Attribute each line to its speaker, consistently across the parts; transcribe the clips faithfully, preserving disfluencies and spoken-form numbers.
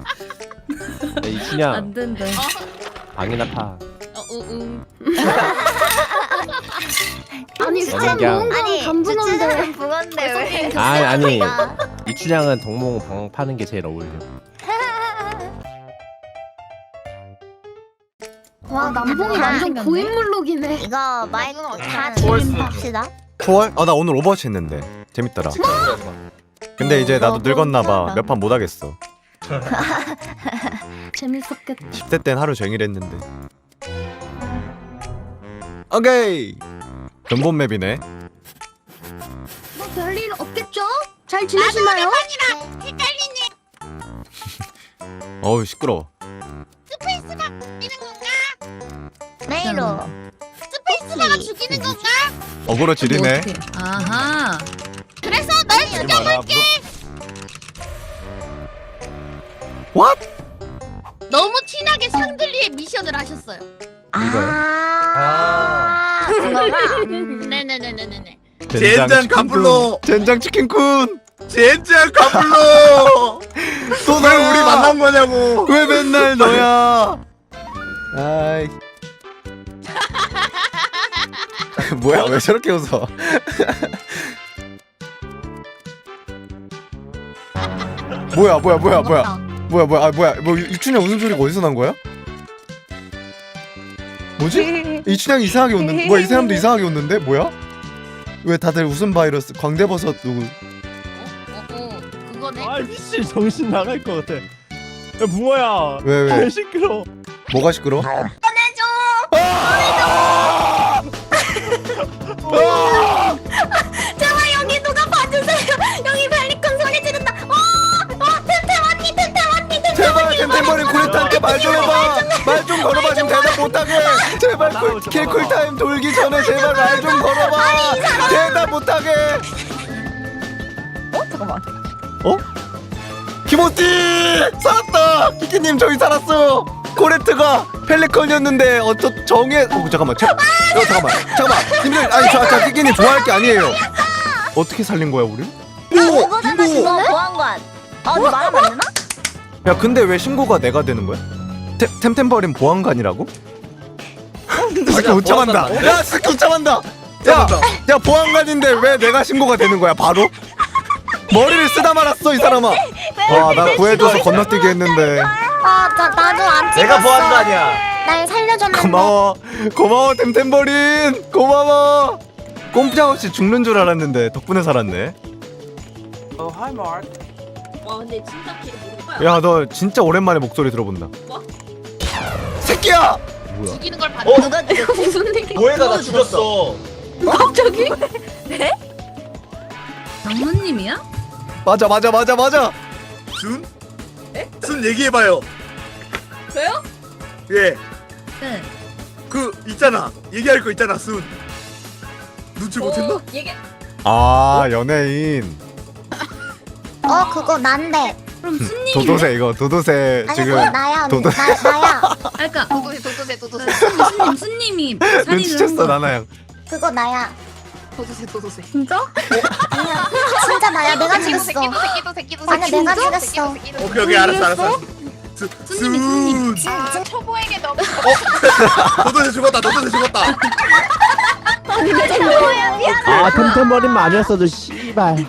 Speaker 1: 이춘향
Speaker 2: 안 된다.
Speaker 1: 방이나 타.
Speaker 2: 어, 우우.
Speaker 3: 아니
Speaker 1: 진짜
Speaker 3: 사람
Speaker 1: 그냥-
Speaker 3: 모은 건
Speaker 4: 아니
Speaker 3: 감분한데.
Speaker 4: 주체는 부건데 왜?
Speaker 1: 아니 아니
Speaker 4: 아.
Speaker 1: 이춘향은 동몽 방 파는 게 제일 어울려.
Speaker 3: 와 남봉이 완전 고인물록이네.
Speaker 4: 이거 마이크 다
Speaker 5: 뭘
Speaker 4: 진행합시다.
Speaker 5: 초월? 아 나 오늘 오버워치 했는데 재밌더라. 근데 이제 나도 늙었나봐. 몇 판 못하겠어.
Speaker 3: 재밌었겠다.
Speaker 5: 십 대 땐 하루 종일 했는데. 오케이. 근본 맵이네.
Speaker 3: 뭐 별일 없겠죠? 잘 지내시나요?
Speaker 5: 어우 시끄러워.
Speaker 4: 메이로 스페이스바가 죽이는 건가?
Speaker 5: 어그로 지리네.
Speaker 2: 어떡해. 아하.
Speaker 4: 그래서 널 죽여볼게.
Speaker 5: What?
Speaker 6: 너무 티나게 샹들리에 미션을 하셨어요.
Speaker 4: 아 그거가
Speaker 6: 네네네네네.
Speaker 5: 젠장
Speaker 7: 깜불로.
Speaker 5: 젠장 치킨쿤.
Speaker 7: 젠장 깜불로.
Speaker 5: 또
Speaker 7: 왜 우리 만난 거냐고.
Speaker 5: 왜 맨날 너야? 아이. 뭐야 왜 저렇게 웃어? 뭐야 뭐야 뭐야 뭐야 뭐야 뭐야 아 뭐야 뭐 이춘향 웃음소리가 어디서 난 거야? 뭐지? 이춘향이 이상하게 웃는 뭐야 이 사람도 이상하게 웃는데 뭐야? 왜 다들 웃음 바이러스 광대버섯 누구?
Speaker 6: 어, 어, 그거네.
Speaker 1: 아 미친 정신 나갈 것 같아. 야 붕어야.
Speaker 5: 왜 왜?
Speaker 1: 왜 시끄러?
Speaker 5: 뭐가 시끄러?
Speaker 4: 제발 여기 누가 봐주세요. 여기 벨리콘 소리 지른다. 어, 어, 템템 언니, 템템 언니, 템템
Speaker 5: 제발 템템버린 쿠레타한테 말 좀 해봐. 말 좀 걸어봐 지금 대답 못하게. 제발 쿨, 킬쿨 타임 돌기 전에 제발 말 좀 걸어봐. 대답 못하게.
Speaker 4: 어, 잠깐만.
Speaker 5: 어? 키모티 살았다. 키키님 저기 살았어요. 코레트가 펠리컨이었는데 어쩌 정해. 어 잠깐만. 자, 어, 잠깐만. 잠깐만. 님들 아니 저, 저 키키님 좋아할 게 아니에요. 어떻게 살린 거야 우리?
Speaker 4: 그거잖아 그거 보안관. 어, 너 말하면 안 되나?
Speaker 5: 야 근데 왜 신고가 내가 되는 거야? 템, 템템버린 보안관이라고? 스키 못 참한다. 야 스키 못 참한다. 야, 야 보안관인데 왜 내가 신고가 되는 거야 바로? 머리를 쓰다 말았어 이 사람아. 와나 구해줘서 건너뛰기 했는데.
Speaker 4: 아, 나 나도 안 찍었어.
Speaker 7: 내가 보안관이야.
Speaker 4: 날 살려줬는데.
Speaker 5: 고마워 고마워 템템버린 고마워. 꼼짝없이 죽는 줄 알았는데 덕분에 살았네.
Speaker 6: 와 근데 진짜 걔 모르겠다.
Speaker 5: 야 너 진짜 오랜만에 목소리 들어본다.
Speaker 6: 뭐?
Speaker 5: 새끼야.
Speaker 6: 죽이는 걸 봤.
Speaker 7: 어?
Speaker 4: 누가 죽였어?
Speaker 3: 무슨 일이?
Speaker 7: 모해가 나 죽였어.
Speaker 3: 갑자기?
Speaker 2: 장모님이야?
Speaker 5: 맞아 맞아 맞아 맞아.
Speaker 7: 순? 순 얘기해봐요.
Speaker 6: 저요?
Speaker 7: 예.
Speaker 2: 네.
Speaker 7: 그 있잖아. 얘기할 거 있잖아 순. 눈치 못했나?
Speaker 6: 어, 얘기.
Speaker 5: 아 연예인.
Speaker 4: 어, 그거 난데.
Speaker 2: 그럼 순님.
Speaker 5: 도도새 이거 도도새
Speaker 4: 아니
Speaker 5: 지금
Speaker 4: 그거 나야 언니.
Speaker 5: 도도-
Speaker 4: 나 나야.
Speaker 2: 아, 그러니까
Speaker 6: 도도새 도도새 도도새
Speaker 2: 순님 순님이 살인을 한
Speaker 5: 눈치챘어
Speaker 2: 거야.
Speaker 5: 나나양.
Speaker 4: 그거 나야.
Speaker 6: 도도새 도도새.
Speaker 3: 진짜?
Speaker 4: 아니야. 진짜 나야. 내가 죽였어.
Speaker 6: 새끼도 새끼도 새끼도
Speaker 4: 아니야, 내가 죽였어.
Speaker 7: 오케이 오케이 알았어 알았어. 수-
Speaker 2: 순님이 순님.
Speaker 4: 진짜.
Speaker 6: 초보에게 너무.
Speaker 7: 도도새 죽었다. 도도새 죽었다.
Speaker 1: 아 템템버린만 아니었어도 씨발.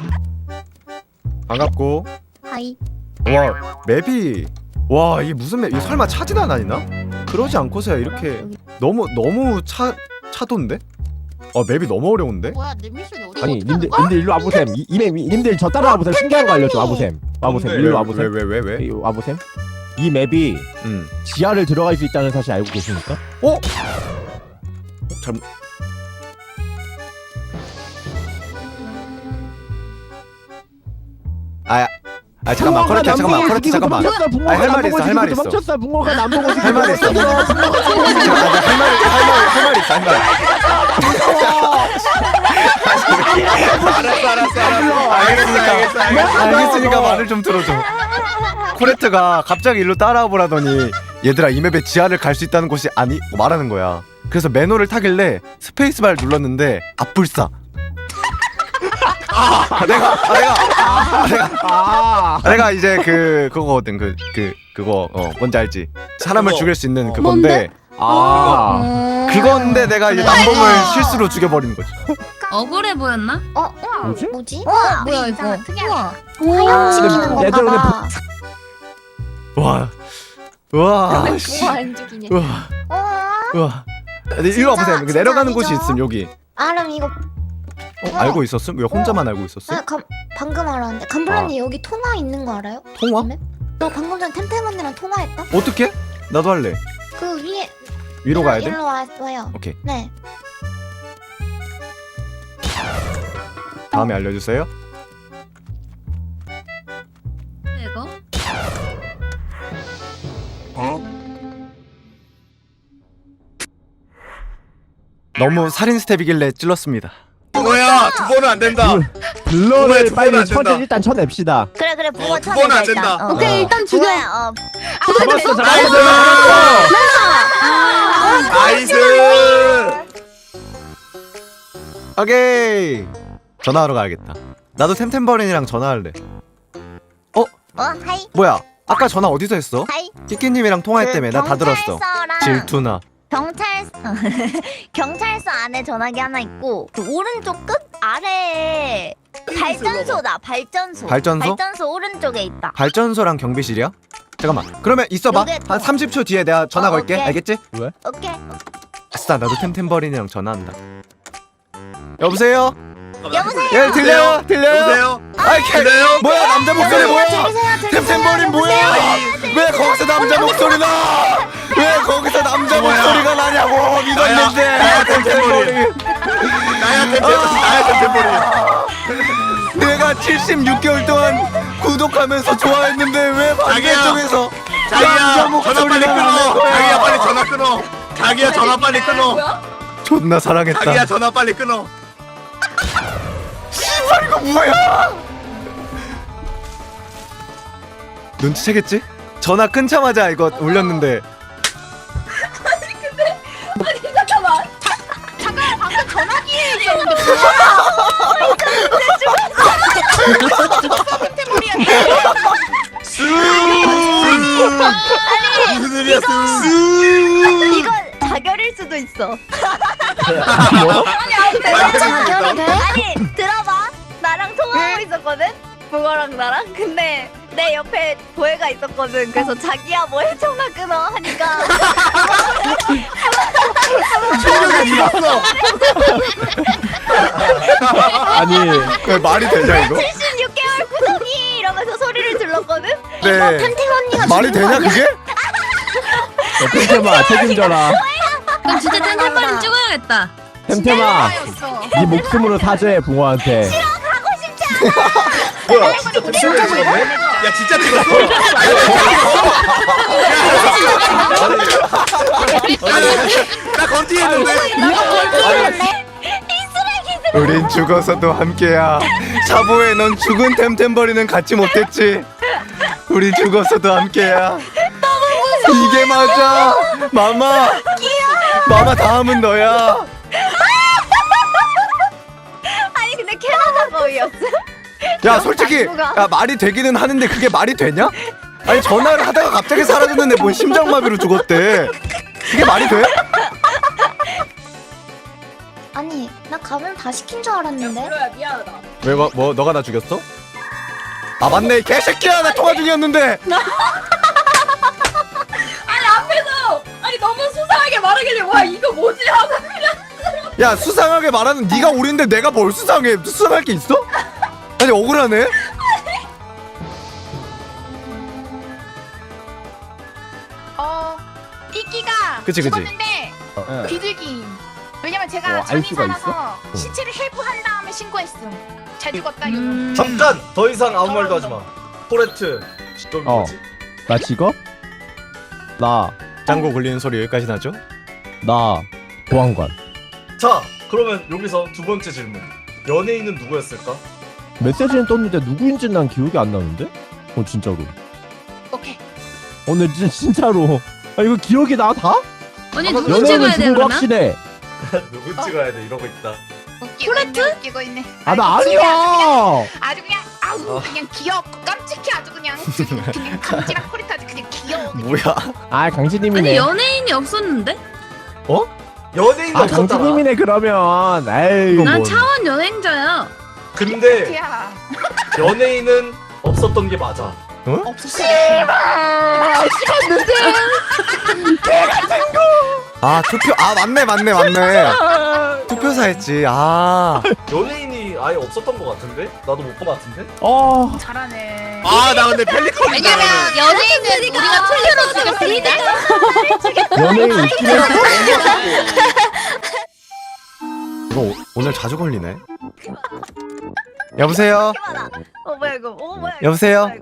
Speaker 5: 반갑고.
Speaker 4: 하이.
Speaker 5: 와 맵이 와 이게 무슨 맵? 이게 설마 차지단 아니나? 그러지 않고서야 이렇게 너무 너무 차 차도인데? 아 맵이 너무 어려운데?
Speaker 6: 뭐야 내 미션이 어디?
Speaker 1: 아니 님들 님들 일로 와보셈. 이- 이맵 님들 저 따라 와보셈. 신기한 거 알려줘. 와보셈. 와보셈.
Speaker 7: 뭔데?
Speaker 1: 일로
Speaker 5: 왜
Speaker 1: 와보셈.
Speaker 5: 왜 왜 왜?
Speaker 1: 이- 와보셈. 이 맵이
Speaker 5: 응.
Speaker 1: 지하를 들어갈 수 있다는 사실 알고 계십니까?
Speaker 5: 어? 잘못. 아, 아 잠깐만 코레트 잠깐만 코레트 잠깐만.
Speaker 1: 붕어가
Speaker 5: 아니, 할 말이 있어, 할 말이 있어.
Speaker 1: 멈췄어. 붕어가 남보고
Speaker 5: 할 말이 있어. 할 말이 있어 할 말이 할 말이 있어 할 말.
Speaker 7: 알았어 알았어 알았어. 알겠어 알겠어 알겠어.
Speaker 5: 알겠으니까 말을 좀 들어줘. 코레트가 갑자기 일로 따라와 보라더니 얘들아 이 맵에 지하를 갈 수 있다는 곳이 아니 말하는 거야. 그래서 매너를 타길래 스페이스바를 눌렀는데 앞불싸. 아, 내가 아, 내가 아, 내가
Speaker 1: 아
Speaker 5: 아, 내가 이제 그 그거거든 그 그 그거 어 뭔지 알지? 사람을
Speaker 7: 그거.
Speaker 5: 죽일 수 있는
Speaker 7: 어.
Speaker 5: 그건데
Speaker 1: 아
Speaker 3: 음.
Speaker 5: 그건데 내가 이제 남봉을 실수로 죽여버린 거지.
Speaker 2: 억울해 보였나?
Speaker 4: 어,
Speaker 1: 뭐지?
Speaker 4: 뭐지?
Speaker 3: 우와,
Speaker 4: 뭐야
Speaker 3: 이거.
Speaker 4: 특이하다.
Speaker 3: 우와.
Speaker 4: 지키는
Speaker 1: 얘들
Speaker 4: 건가 봐.
Speaker 5: 와, 와, 씨,
Speaker 4: 우와, 안 죽이네.
Speaker 5: 와,
Speaker 4: 우와.
Speaker 5: 와. 네, 이리 와보세요.
Speaker 4: 진짜
Speaker 5: 내려가는 곳이
Speaker 4: 아니죠?
Speaker 5: 있음 여기.
Speaker 4: 아, 그럼 이거
Speaker 5: 어, 알고 있었음? 왜 혼자만 알고 있었음?
Speaker 4: 아, 감, 방금 알았는데 감블라님 여기 통화 있는 거 알아요?
Speaker 5: 통화?
Speaker 4: 너 방금 전에 템템 언니랑 통화했다?
Speaker 5: 어떻게? 나도 할래.
Speaker 4: 그 위에
Speaker 5: 위로 가야 돼?
Speaker 4: 일로 와, 와요.
Speaker 5: 오케이.
Speaker 4: 네.
Speaker 5: 다음에 알려주세요.
Speaker 2: 이거?
Speaker 5: 너무 살인 스텝이길래 찔렀습니다.
Speaker 7: 붕어야 두 번은 안 된다.
Speaker 1: 블러를
Speaker 7: 두 번은
Speaker 1: 빨리
Speaker 7: 안
Speaker 1: 천
Speaker 7: 된다.
Speaker 1: 일단 쳐냅시다.
Speaker 4: 그래 그래 붕어
Speaker 7: 어, 두 번은 안 된다.
Speaker 4: 어.
Speaker 3: 오케이, 일단 죽여.
Speaker 4: 붕어야, 어.
Speaker 1: 잡았어
Speaker 7: 나이스. 나이스.
Speaker 5: 오케이. 전화하러 가야겠다. 나도 템템버린이랑 전화할래.
Speaker 4: 어, 하이.
Speaker 5: 뭐야? 아까 전화 어디서 했어?
Speaker 4: 하이.
Speaker 5: 끼끼님이랑 통화했다며. 나 다 들었어.
Speaker 4: 경찰서랑
Speaker 5: 질투나.
Speaker 4: 경찰서 경찰서 안에 전화기 하나 있고 그 오른쪽 끝 아래에 발전소다. 발전소.
Speaker 5: 발전소?
Speaker 4: 발전소 오른쪽에 있다.
Speaker 5: 발전소랑 경비실이야? 잠깐만. 그러면 있어봐.
Speaker 4: 요게 또.
Speaker 5: 한 삼십 초 뒤에 내가 전화
Speaker 4: 어,
Speaker 5: 걸게.
Speaker 4: 오케이.
Speaker 5: 알겠지?
Speaker 4: 오케이.
Speaker 5: 아싸. 나도 템템버린이랑 전화한다. 여보세요?
Speaker 4: 여보세요.
Speaker 5: 예, 들려요? 들려요?
Speaker 7: 여보세요.
Speaker 5: 아이, 개,
Speaker 7: 들려요?
Speaker 5: 뭐야? 남자 목소리 뭐야?
Speaker 4: 들리세요? 들리세요?
Speaker 5: 템템버린 뭐야? 왜 거기서 남자 목소리 나? 왜 거기서 남자
Speaker 7: 뭐야?
Speaker 5: 목소리가 나냐고 믿었는데.
Speaker 7: 나야 템템버린. 나야 템템버린. 나야 템템버린.
Speaker 5: 내가 칠십육 개월 동안 구독하면서 좋아했는데 왜 반대쪽에서
Speaker 7: 자기야
Speaker 5: 남자
Speaker 7: 전화
Speaker 5: 목소리가
Speaker 7: 빨리
Speaker 5: 나는
Speaker 7: 끊어.
Speaker 5: 거야?
Speaker 7: 자기야 빨리 전화 끊어. 자기야 전화 빨리 끊어.
Speaker 5: 존나 사랑했다.
Speaker 7: 자기야 전화 빨리 끊어.
Speaker 5: 씨발 이거 뭐야? 눈치채겠지? 전화 끊자마자 이거 올렸는데
Speaker 7: 스. 무슨 일이야 스.
Speaker 4: 이건 자결일 수도 있어.
Speaker 3: 자결이 돼?
Speaker 4: 아니 들어봐. 나랑 통화하고 있었거든. 붕어랑 나랑. 근데 내 옆에 보혜가 있었거든. 그래서 자기야 뭐해 전화 끊어 하니까
Speaker 7: 충격이 있었어.
Speaker 1: 아니
Speaker 5: 왜 말이 되냐 이거?
Speaker 4: 칠십육 개월 구독이 이러면서 소리를 질렀거든.
Speaker 5: 네.
Speaker 3: 템템 언니가
Speaker 5: 말이
Speaker 3: 죽인 거
Speaker 5: 되냐
Speaker 3: 아니야?
Speaker 5: 그게?
Speaker 1: 템템아 책임져라.
Speaker 2: 그럼 진짜 템템버린 찍어야겠다.
Speaker 1: 템템아 네 목숨으로 사죄해 붕어한테.
Speaker 7: 뭐야 진짜 진짜 찍었네? 야 진짜 찍었어? 나 건티했는데.
Speaker 5: 우린 죽어서도 함께야. 사보에 넌 죽은 템템버리는 갖지 못했지. 우리 죽어서도 함께야. 이게 맞아. 마마. 마마 다음은 너야.
Speaker 4: 아니 근데 캐나다 거위였어.
Speaker 5: 야 솔직히 야 말이 되기는 하는데 그게 말이 되냐? 아니 전화를 하다가 갑자기 사라졌는데 뭔 심장마비로 죽었대. 그게 말이 돼?
Speaker 4: 아니 나 가면 다 시킨 줄 알았는데.
Speaker 5: 왜 뭐 뭐, 너가 나 죽였어? 아 맞네 이 개새끼야 나 통화 중이었는데.
Speaker 6: 아니 너무 수상하게 말하길래 와 이거 뭐지 하고
Speaker 5: 야 수상하게 말하는 네가 오리인데 내가 뭘 수상해? 수상할 게 있어? 아니 억울하네.
Speaker 6: 어 끼끼가
Speaker 5: 그치, 그치.
Speaker 6: 죽었는데
Speaker 1: 어.
Speaker 6: 비둘기 왜냐면 제가
Speaker 1: 어, 알
Speaker 6: 전이
Speaker 1: 수가
Speaker 6: 살아서
Speaker 1: 있어?
Speaker 6: 시체를 헬프한 다음에 신고했음 잘 죽었다 이거
Speaker 2: 음,
Speaker 8: 잠깐 더 이상 아무 말도 하지 마. 포레트. 너
Speaker 1: 어.
Speaker 8: 뭐지?
Speaker 1: 나 직업? 나
Speaker 5: 짱구 굴리는 소리 여기까지 나죠?
Speaker 1: 나 보안관.
Speaker 8: 자, 그러면 여기서 두 번째 질문. 연예인은 누구였을까?
Speaker 1: 메시지는 떴는데 누구인지 난 기억이 안 나는데? 어 진짜로.
Speaker 6: 오케이
Speaker 1: 어 근데 진, 진짜로. 아 이거 기억이 나 다?
Speaker 2: 언니 누구
Speaker 1: 연예인은
Speaker 2: 찍어야 돼
Speaker 1: 죽은 거
Speaker 2: 그러면?
Speaker 1: 확실해.
Speaker 8: 누구 찍어야 돼 이러고 있다.
Speaker 3: 웃기고 있네 웃기고 있네.
Speaker 1: 아 나
Speaker 3: 아주
Speaker 1: 아니야.
Speaker 3: 그냥, 아주 그냥 아우
Speaker 8: 어.
Speaker 3: 그냥 귀엽고 깜찍해 아주 그냥 그냥, 그냥 감지랑 코리까지 그냥 귀여워.
Speaker 5: 뭐야?
Speaker 1: 아
Speaker 2: 아니
Speaker 1: 강진님이네.
Speaker 2: 연예인이 없었는데?
Speaker 8: 연예인이
Speaker 1: 아
Speaker 8: 없었잖아.
Speaker 1: 강진님이네 그러면. 에이.
Speaker 5: 이건
Speaker 2: 난
Speaker 5: 뭔-
Speaker 2: 차원 여행자야.
Speaker 8: 근데
Speaker 3: 야
Speaker 8: 연예인은 없었던 게 맞아.
Speaker 3: 없었어.
Speaker 5: 아 투표 아 맞네 맞네 맞네. 투표사 했지. 아
Speaker 8: 연예인이 아예 없었던 것 같은데? 나도 못 본 것 같은데?
Speaker 1: 어.
Speaker 3: 잘하네.
Speaker 7: 아 나 근데 펠리컨
Speaker 3: 왜냐면 연예인은 우리가 틀려로 죽였으니까.
Speaker 1: 연예인 있긴 했어.
Speaker 5: 이거 오- 오늘 자주 걸리네. 여보세요.
Speaker 4: 어 뭐야 이거? 어 뭐야 이거?
Speaker 5: 여보세요?
Speaker 4: 뭐야, 이거?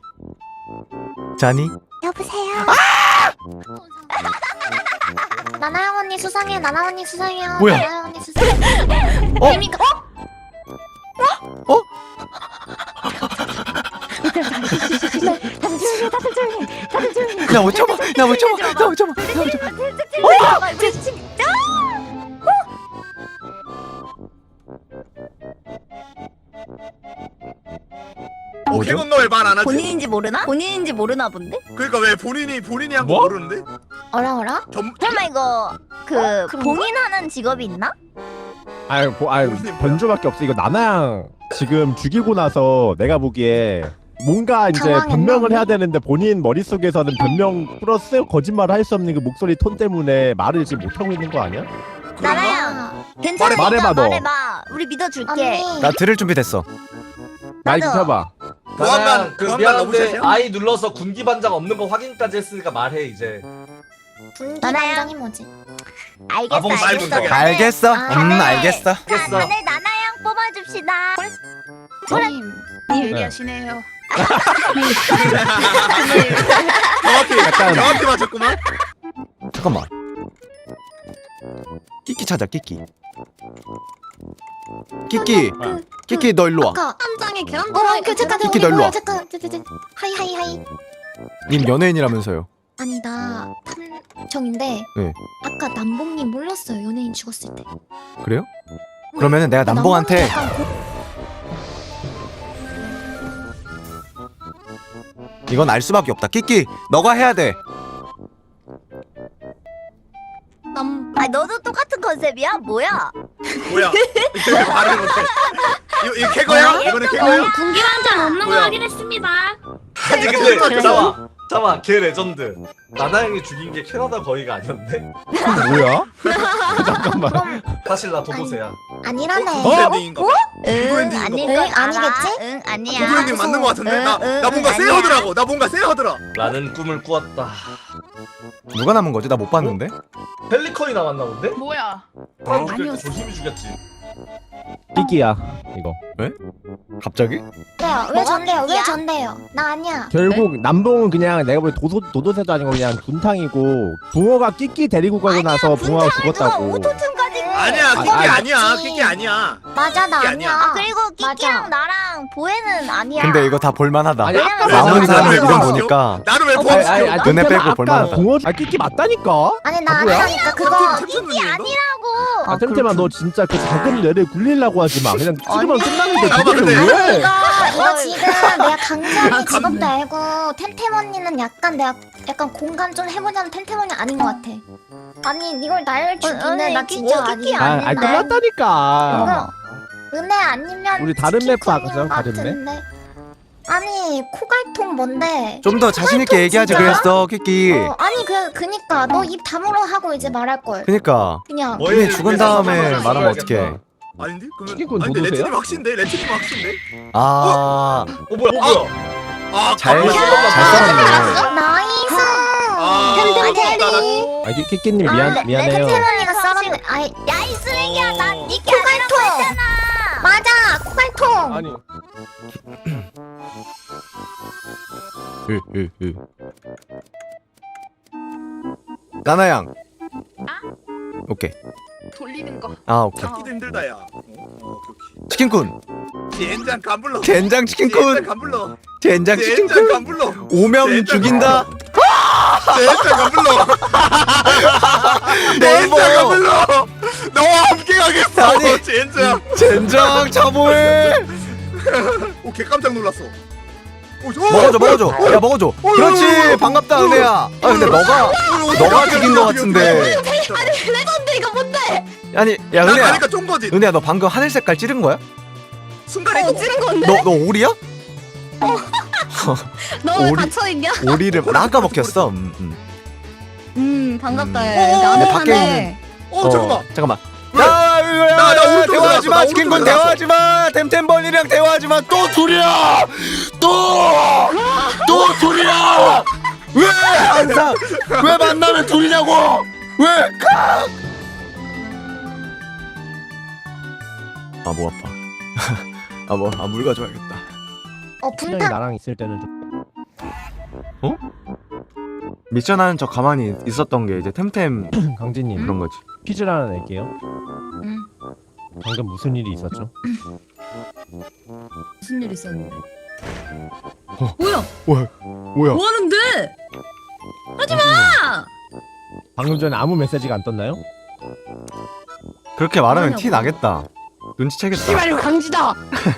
Speaker 5: 자니?
Speaker 3: 여보세요. 나나영 언니 수상해. 나나 언니 수상해요.
Speaker 5: 뭐야?
Speaker 3: 나나영 언니 수상해.
Speaker 5: 어?
Speaker 3: 재미가 어?
Speaker 5: 어? 야못 참아. 야못 참아. 야못 참아. 야못 참아.
Speaker 7: 어,
Speaker 5: 뭐죠?
Speaker 7: 캐논 너왜 말 안 하지?
Speaker 4: 본인인지 모르나? 본인인지 모르나 본데?
Speaker 7: 그러니까 왜 본인이 본인이 한 거
Speaker 1: 뭐?
Speaker 7: 모르는데?
Speaker 3: 어라 어라?
Speaker 7: 전
Speaker 4: 설마 이거 그
Speaker 3: 그런가?
Speaker 4: 봉인하는 직업이 있나?
Speaker 1: 아유 뭐 아유 변조밖에 없어. 이거 나나양 지금 죽이고 나서 내가 보기에 뭔가 이제
Speaker 3: 당황했나?
Speaker 1: 변명을 해야 되는데 본인 머릿속에서는 변명 플러스 거짓말을 할 수 없는 그 목소리 톤 때문에 말을 지금 못 하고 있는 거 아니야?
Speaker 4: 나나야 괜찮아.
Speaker 1: 말해봐, 너.
Speaker 4: 말해봐. 우리 믿어줄게.
Speaker 3: 언니.
Speaker 5: 나 들을 준비 됐어.
Speaker 1: 마이크
Speaker 4: 나도.
Speaker 1: 켜봐.
Speaker 7: 보안관,
Speaker 8: 나는 그
Speaker 7: 보안관 너무
Speaker 8: 미안한데
Speaker 7: 셋이야?
Speaker 8: 아이 눌러서 군기 반장 없는 거 확인까지 했으니까 말해 이제.
Speaker 3: 분기
Speaker 4: 나나야.
Speaker 3: 반장이 뭐지?
Speaker 4: 알겠어.
Speaker 8: 아봉 말
Speaker 4: 알겠어.
Speaker 8: 못하게.
Speaker 5: 알겠어.
Speaker 3: 아,
Speaker 5: 음
Speaker 4: 네.
Speaker 5: 알겠어.
Speaker 4: 자,
Speaker 8: 알겠어.
Speaker 4: 다들 나나양 뽑아줍시다.
Speaker 3: 님
Speaker 1: 네.
Speaker 3: 예리하시네요.
Speaker 7: 정확히
Speaker 1: 약간-
Speaker 7: 정확히 맞췄구만.
Speaker 5: 잠깐만. 끼끼 찾아 끼끼. 끼끼. 끼끼 너 일로 와.
Speaker 3: 아까
Speaker 2: 현장에 계란
Speaker 3: 어,
Speaker 2: 들어있고
Speaker 3: 그 잠깐
Speaker 5: 끼끼
Speaker 3: 저기
Speaker 5: 너 일로 와.
Speaker 3: 뭐야, 잠깐 저, 저, 저. 하이 하이 하이.
Speaker 5: 님 연예인이라면서요.
Speaker 3: 아니 나 탐정인데
Speaker 5: 네.
Speaker 3: 아까 남봉님 몰랐어요. 연예인 죽었을 때.
Speaker 5: 그래요? 그러면은 내가 남봉한테
Speaker 3: 약간 고...
Speaker 5: 이건 알 수밖에 없다. 끼끼 너가 해야 돼.
Speaker 2: 남
Speaker 4: 아 너도 똑같은 컨셉이야? 뭐야?
Speaker 7: 뭐야? 이거 말을 못해. 이거 이거 캐거야? 이거는 캐거야?
Speaker 2: 군기 반장 없는 거
Speaker 7: 뭐야?
Speaker 2: 확인했습니다.
Speaker 8: 아니 근데 잠깐만. 잠깐만 걔 레전드. 나나양이 죽인 게 캐나다 거의가 아니었네.
Speaker 1: 뭐야?
Speaker 8: 사실 나 도도새야.
Speaker 3: 아니라네.
Speaker 7: 어? 엔딩인가 봐.
Speaker 4: 응
Speaker 7: 엔딩인가
Speaker 4: 아닐
Speaker 3: 봐.
Speaker 4: 건
Speaker 3: 응,
Speaker 4: 알아.
Speaker 3: 아니겠지?
Speaker 4: 응
Speaker 7: 그
Speaker 4: 아니야.
Speaker 7: 엔딩 맞는 거 같은데? 나,
Speaker 4: 응,
Speaker 7: 나 뭔가
Speaker 4: 응,
Speaker 7: 쎄하더라고. 나 뭔가 쎄하더라.
Speaker 8: 나는 꿈을 꾸었다.
Speaker 5: 누가 남은 거지? 나 못 봤는데.
Speaker 8: 펠리컨이 남았나 본데?
Speaker 6: 뭐야?
Speaker 8: 사람 죽일 때
Speaker 6: 아니었어.
Speaker 8: 조심히 죽였지.
Speaker 1: 끼끼야 이거.
Speaker 5: 갑자기?
Speaker 3: 왜요? 왜
Speaker 4: 뭐가
Speaker 3: 전데요? 왜
Speaker 4: 끼끼야?
Speaker 3: 전데요? 나 아니야.
Speaker 1: 결국 남봉은 그냥 내가 보기 도도 도도새도 아니고 그냥 분탕이고 붕어가 끼끼 데리고 가고 나서 붕어가 죽었다고.
Speaker 4: 오토튠까지.
Speaker 7: 아니야,
Speaker 1: 아,
Speaker 7: 끼끼
Speaker 1: 아,
Speaker 7: 아니야.
Speaker 3: 맞지.
Speaker 7: 끼끼 아니야.
Speaker 3: 맞아 나
Speaker 7: 끼끼
Speaker 3: 아니야.
Speaker 7: 아니야.
Speaker 4: 아 그리고 끼끼랑
Speaker 3: 맞아.
Speaker 4: 나랑 보혜는 아니야.
Speaker 5: 근데 이거 다 볼만하다.
Speaker 1: 아니 아까
Speaker 4: 왜냐면
Speaker 5: 남은
Speaker 7: 나는
Speaker 5: 사람들
Speaker 7: 나는
Speaker 5: 이름
Speaker 7: 나는
Speaker 5: 보니까
Speaker 7: 나는 왜
Speaker 4: 어,
Speaker 7: 범
Speaker 1: 아니, 아니, 아니,
Speaker 7: 시켜?
Speaker 5: 눈에
Speaker 1: 템템아,
Speaker 5: 빼고
Speaker 1: 아까
Speaker 5: 볼만하다.
Speaker 1: 붕어 아 끼끼 맞다니까.
Speaker 3: 아니 나
Speaker 1: 바보야?
Speaker 3: 아니라니까 그거.
Speaker 7: 끼끼
Speaker 4: 아니라고.
Speaker 1: 아 템템아 너 진짜 그 작은 뇌를 굴리려고 하지 마. 그냥 찍으면 끝나는데
Speaker 7: 잠깐만,
Speaker 1: 그거를
Speaker 7: 근데-
Speaker 1: 왜?
Speaker 3: 이거 이거 지금 내가 강자이
Speaker 2: 아,
Speaker 3: 직업도 알고 템템 언니는 약간 내가 약간 공감 좀 해보자는 템템 언니 아닌 것 같아. 아니 이걸 날 죽이네.
Speaker 4: 아니,
Speaker 3: 나
Speaker 4: 끼-
Speaker 3: 진짜
Speaker 4: 끼끼
Speaker 3: 아니야.
Speaker 1: 아, 아 끝났다니까.
Speaker 3: 이거 은혜 아니면
Speaker 1: 우리 다른 맵
Speaker 3: 치킨콘인
Speaker 1: 봐보자,
Speaker 3: 것
Speaker 1: 다른 맵.
Speaker 3: 같은데. 아니 코갈통 뭔데?
Speaker 5: 좀 더 자신 있게 얘기하지
Speaker 3: 진짜?
Speaker 5: 그랬어 끼끼.
Speaker 3: 어, 아니 그 그니까 너 입 다물어 하고 이제 말할 걸.
Speaker 5: 그니까
Speaker 3: 그냥
Speaker 8: 뭐에
Speaker 5: 이미 죽은
Speaker 8: 위해서
Speaker 5: 다음에
Speaker 8: 사람을
Speaker 5: 말하면
Speaker 8: 죽여야겠다.
Speaker 5: 어떡해.
Speaker 7: 아닌데? 그러면
Speaker 1: 끼끼군
Speaker 7: 아니, 근데
Speaker 1: 도도새야?
Speaker 7: 레트님 확신데? 레트님 확신데?
Speaker 5: 아
Speaker 8: 어 뭐야? 어 뭐야?
Speaker 7: 아,
Speaker 5: 잘-
Speaker 7: 가만히
Speaker 5: 잘
Speaker 7: 있어봐.
Speaker 5: 썰었네.
Speaker 3: 나이스.
Speaker 7: 아,
Speaker 3: 템템
Speaker 7: 나- 나-
Speaker 3: 캐리.
Speaker 1: 아 끼- 끼끼님 미안
Speaker 4: 아,
Speaker 1: 미안해요.
Speaker 3: 템템 언니가 썰었네. 아이
Speaker 4: 야 이 쓰레기야
Speaker 7: 어.
Speaker 4: 난 니께 아니라고 했잖아.
Speaker 3: 맞아 코갈통.
Speaker 1: 아니
Speaker 5: 으으으. 나나양. 오케이.
Speaker 6: 돌리는 거.
Speaker 5: 아 오케이.
Speaker 7: 찾기도 힘들다 야. 어, 오케이 오케이.
Speaker 5: 치킨군.
Speaker 7: 젠장 간불러.
Speaker 5: 젠장
Speaker 7: 젠장
Speaker 5: 치킨군.
Speaker 7: 간불러.
Speaker 5: 젠장
Speaker 7: 젠장
Speaker 5: 치킨군.
Speaker 7: 간불러.
Speaker 5: 오면
Speaker 7: 젠장
Speaker 5: 죽인다.
Speaker 7: 젠장 간불러.
Speaker 5: 네이버.
Speaker 7: 젠장 간불러. 너와 함께하게.
Speaker 5: 아니
Speaker 7: 젠장.
Speaker 5: 젠장 자보해.
Speaker 7: 오개 깜짝 놀랐어. 오, 저-
Speaker 5: 먹어줘 먹어줘. 야 먹어줘. 그렇지 반갑다 은혜야. 아 근데 너가 너가 죽인 거 같은데.
Speaker 3: 레전드 이거 뭔데?
Speaker 5: 아니 야
Speaker 7: 나
Speaker 5: 은혜야.
Speaker 7: 가니까 쫀 거지.
Speaker 5: 은혜야 너 방금 하늘 색깔 찌른 거야?
Speaker 7: 순간에
Speaker 3: 어 찌른 건데?
Speaker 5: 너 너 오리야?
Speaker 3: 너 왜
Speaker 5: 오리-
Speaker 3: 갇혀있냐?
Speaker 5: 오리를 나 아까 먹혔어. 음, 음.
Speaker 4: 음 반갑다.
Speaker 7: 음.
Speaker 4: 얘.
Speaker 7: 어,
Speaker 4: 나는
Speaker 5: 밖에
Speaker 4: 하네.
Speaker 7: 어 잠깐만.
Speaker 5: 잠깐만.
Speaker 7: 왜?
Speaker 5: 야,
Speaker 7: 나, 나 오른쪽으로
Speaker 5: 대화하지 마.
Speaker 7: 나왔어. 나
Speaker 5: 치킨군
Speaker 7: 오른쪽으로
Speaker 5: 대화하지 마. 템템벌이랑 대화하지 마. 또 둘이야. 또! 또 둘이야. 왜 항상 왜 만나면 둘이냐고? 왜? 아, 뭐 아파. 아, 뭐, 아, 물 가져와야겠다.
Speaker 3: 어
Speaker 1: 분명히
Speaker 3: 분탕.
Speaker 1: 나랑 있을 때는 좀
Speaker 5: 미션 하는 척 가만히 있었던 게 이제 템템
Speaker 1: 강진님
Speaker 5: 그런 거지.
Speaker 1: 퀴즈를 하나 낼게요.
Speaker 3: 응.
Speaker 1: 방금 무슨 일이 있었죠?
Speaker 2: 무슨 일 있었는데? 뭐야?
Speaker 5: 뭐야? 뭐야?
Speaker 2: 뭐 하는데? 하지 마!
Speaker 1: 방금 전에 아무 메시지가 안 떴나요?
Speaker 5: 그렇게 말하면 티 나겠다. 눈치채겠다.
Speaker 3: 씨발이고 강지다.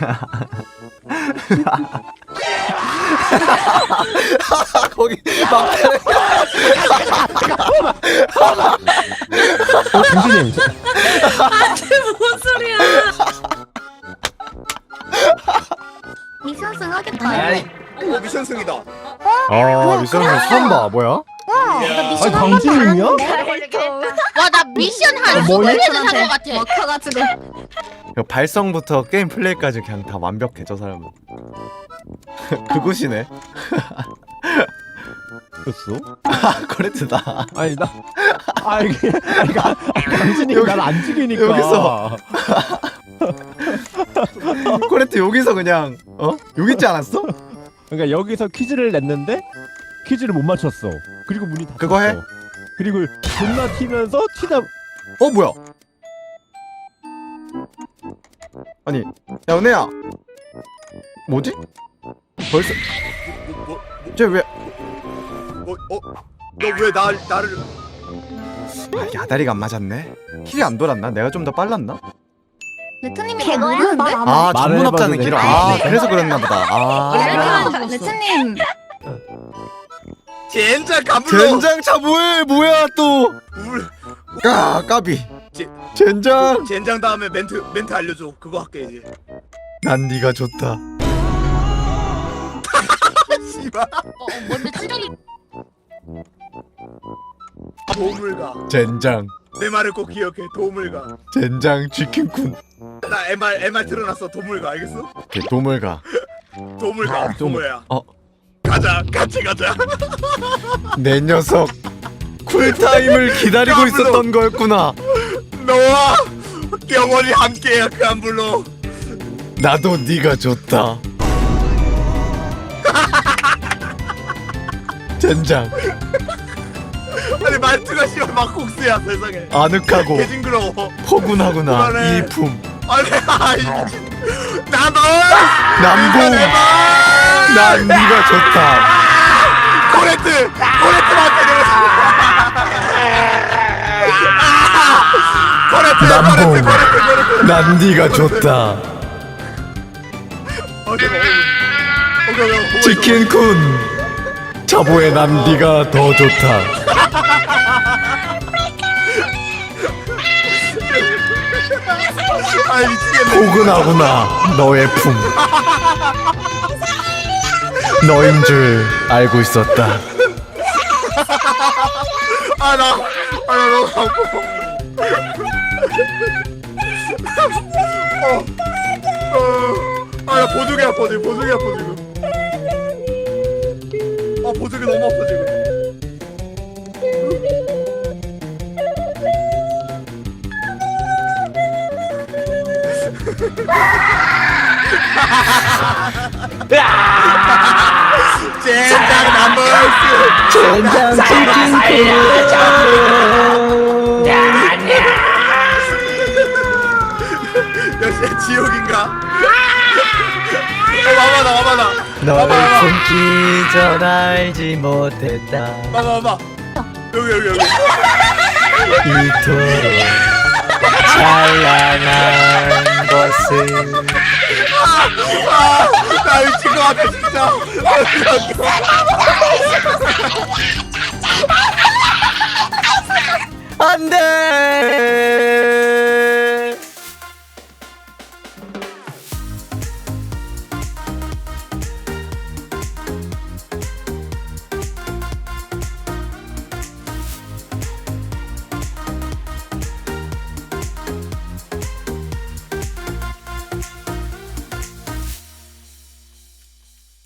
Speaker 5: 거기 막
Speaker 1: 어, 강진님
Speaker 2: 뭔 소리야?
Speaker 3: 미션승 하겠다.
Speaker 8: 아이
Speaker 7: 오 미션 승이다.
Speaker 5: 아, 미션은 처음 봐. 뭐야?
Speaker 3: 와, 나 미션
Speaker 1: 아니,
Speaker 3: 한 번도 안
Speaker 1: 강진님이야?
Speaker 3: 했는데.
Speaker 2: 와, 나 미션 한
Speaker 1: 어, 뭐야?
Speaker 2: 스무 개는 산것 같아.
Speaker 4: 먹혀가지고.
Speaker 5: 이거 발성부터 게임 플레이까지 그냥 다 완벽해 저 사람은. 그곳이네.
Speaker 1: 였어?
Speaker 5: 아, 코레트다.
Speaker 1: 아니 나 아 이게 아니, 가- 강진이
Speaker 5: 여기-
Speaker 1: 날 안 죽이니까
Speaker 5: 여기서. 코레트 여기서 그냥 어? 여기 있지 않았어?
Speaker 1: 그러니까 여기서 퀴즈를 냈는데 퀴즈를 못 맞췄어. 그리고 문이 닫혔어.
Speaker 5: 그거 해?
Speaker 1: 그리고 존나 튀면서 튀다
Speaker 5: 어 뭐야? 아니 야 은혜야 뭐지? 벌써
Speaker 7: 뭐, 뭐,
Speaker 5: 쟤왜
Speaker 7: 뭐, 어? 너 왜 나 나를
Speaker 5: 아, 야다리가 안 맞았네? 힐이 안 돌았나? 내가 좀 더 빨랐나?
Speaker 3: 레트님이
Speaker 4: 걔거야,
Speaker 3: 모르는데?
Speaker 4: 근데?
Speaker 5: 아
Speaker 1: 말을
Speaker 5: 전문 업자는
Speaker 1: 해봐도
Speaker 5: 길어.
Speaker 1: 돼.
Speaker 5: 아 그래서 그랬나 보다. 아
Speaker 4: 레트님
Speaker 7: 젠장 가불러.
Speaker 5: 젠장차 뭐해? 뭐야 또?
Speaker 7: 울.
Speaker 5: 까 까비.
Speaker 7: 제-
Speaker 5: 젠장.
Speaker 7: 젠장 다음에 멘트 멘트 알려줘. 그거 할게 이제.
Speaker 5: 난 네가 좋다.
Speaker 7: 씨발.
Speaker 2: 어, 뭔데 찌르기?
Speaker 7: 도움을 가.
Speaker 5: 젠장.
Speaker 7: 내 말을 꼭 기억해. 도움을 가.
Speaker 5: 젠장 치킨쿤.
Speaker 7: 나 엠알 엠알 틀어놨어. 도움을 가. 알겠어?
Speaker 5: 걔 도물 가.
Speaker 7: 도움을 가. 도모야.
Speaker 5: 어.
Speaker 7: 가자. 같이 가자.
Speaker 5: 내 녀석. 쿨타임을 기다리고
Speaker 7: 야,
Speaker 5: 있었던 거였구나.
Speaker 7: 너와 영원히 함께야. 그 안 불러.
Speaker 5: 나도 네가 좋다. 젠장.
Speaker 7: 아니 말투가 씨발 막국수야 세상에.
Speaker 5: 아늑하고
Speaker 7: 개 징그러워.
Speaker 5: 포근하구나.
Speaker 7: 그만해.
Speaker 5: 일품.
Speaker 7: 아니 아이 미친. 나도.
Speaker 5: 남궁.
Speaker 7: 내봐.
Speaker 5: 난 네가 좋다.
Speaker 7: 코레트. 코레트한테 코레트.
Speaker 5: 남궁.
Speaker 7: 코레트. 코레트. 코레트.
Speaker 5: 난 네가 좋다.
Speaker 7: 어, 잠깐. 오케이 오케이.
Speaker 5: 치킨쿤. 자보에 난 네가 더 좋다.
Speaker 7: 아 미치겠네.
Speaker 5: 포근하구나. 너의 품. 너인 줄 알고 있었다.
Speaker 7: 아나 아나 너무 아파. 어. 어. 아나 보조개 아파 지금. 보조개 아파 지금. 아 보조개 너무 아파 지금. 젠장 남버스.
Speaker 5: 젠장
Speaker 7: 역시 지옥인가? 어 와봐라 와봐라.
Speaker 5: 너를 품기 전 알지 못했다.
Speaker 7: 와봐 와봐. 여기 여기 여기.
Speaker 5: 이토록 찬란한 것은
Speaker 7: 나 미친 거 같아 진짜.